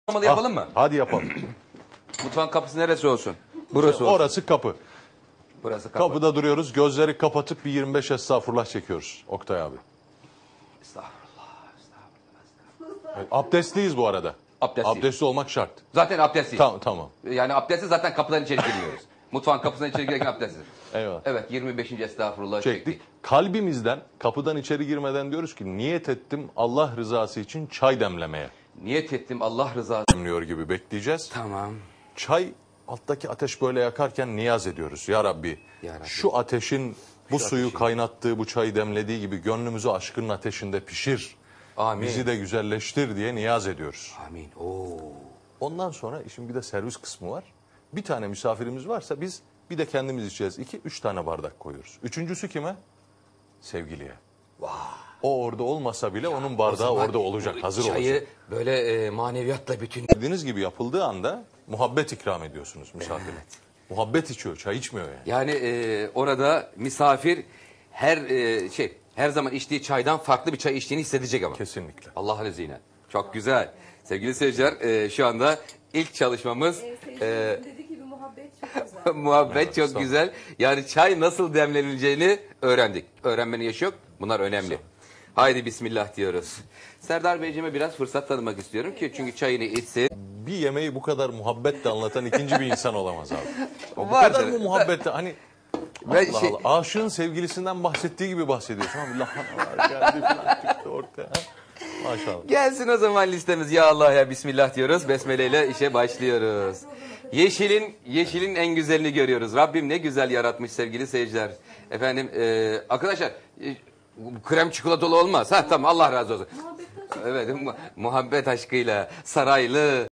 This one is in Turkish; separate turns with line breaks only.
Yapalım mı?
Hadi yapalım.
Mutfağın kapısı neresi olsun? Burası olsun.
Orası kapı.
Burası kapı.
Kapıda duruyoruz. Gözleri kapatıp bir 25 estağfurullah çekiyoruz. Oktay abi.
Estağfurullah.
Evet, abdestliyiz bu arada.
Abdestliyiz.
Abdestli olmak şart.
Zaten abdestsiz.
Tamam.
Yani abdestsiz zaten kapıdan içeri giriyoruz. Mutfağın kapısından içeri girerken abdestsiz.
Eyvallah.
Evet 25. estağfurullah
Çektik. Kalbimizden kapıdan içeri girmeden diyoruz ki niyet ettim Allah rızası için çay demlemeye.
Niyet ettim Allah rızası.
Demliyor gibi bekleyeceğiz.
Tamam.
Çay alttaki ateş böyle yakarken niyaz ediyoruz. Ya Rabbi,
Ya Rabbi.
şu ateşin bu suyu
ateşin.
kaynattığı, bu çayı demlediği gibi gönlümüzü aşkının ateşinde pişir.
Amin.
Bizi de güzelleştir diye niyaz ediyoruz.
Amin. Oo.
Ondan sonra işin bir de servis kısmı var. Bir tane misafirimiz varsa biz bir de kendimiz içeceğiz. 2-3 tane bardak koyuyoruz. Üçüncüsü kime? Sevgiliye. O orada olmasa bile onun bardağı orada olacak, hazır
Çayı
olacak.
böyle maneviyatla bütün...
Dediğiniz gibi yapıldığı anda muhabbet ikram ediyorsunuz misafire.
Evet.
Muhabbet içiyor, çay içmiyor yani.
Yani orada misafir her zaman içtiği çaydan farklı bir çay içtiğini hissedecek ama.
Kesinlikle.
Allah lezine. Çok güzel. Sevgili seyirciler şu anda ilk çalışmamız
Dediği gibi muhabbet çok güzel.
muhabbet çok güzel. Yani çay nasıl demlenileceğini öğrendik. Öğrenmenin yaşı yok. Bunlar önemli. Haydi bismillah diyoruz. Serdar Beyciğime biraz fırsat tanımak istiyorum ki çünkü çayını içsin.
Bir yemeği bu kadar muhabbetle anlatan ikinci bir insan olamaz abi. Bu
Vardır.
kadar mı muhabbetle hani
Ben
Allah Allah, aşığın sevgilisinden bahsettiği gibi bahsediyorsun. Abi lahanalar geldi falan çıktı ortaya. Maşallah.
Gelsin o zaman listemiz. Ya Allah ya Bismillah diyoruz. Besmele ile işe başlıyoruz. Yeşilin en güzelini görüyoruz. Rabbim ne güzel yaratmış sevgili seyirciler. Efendim arkadaşlar krem çikolatalı olmaz. Ha tamam Allah razı olsun. Evet muhabbet aşkıyla saraylı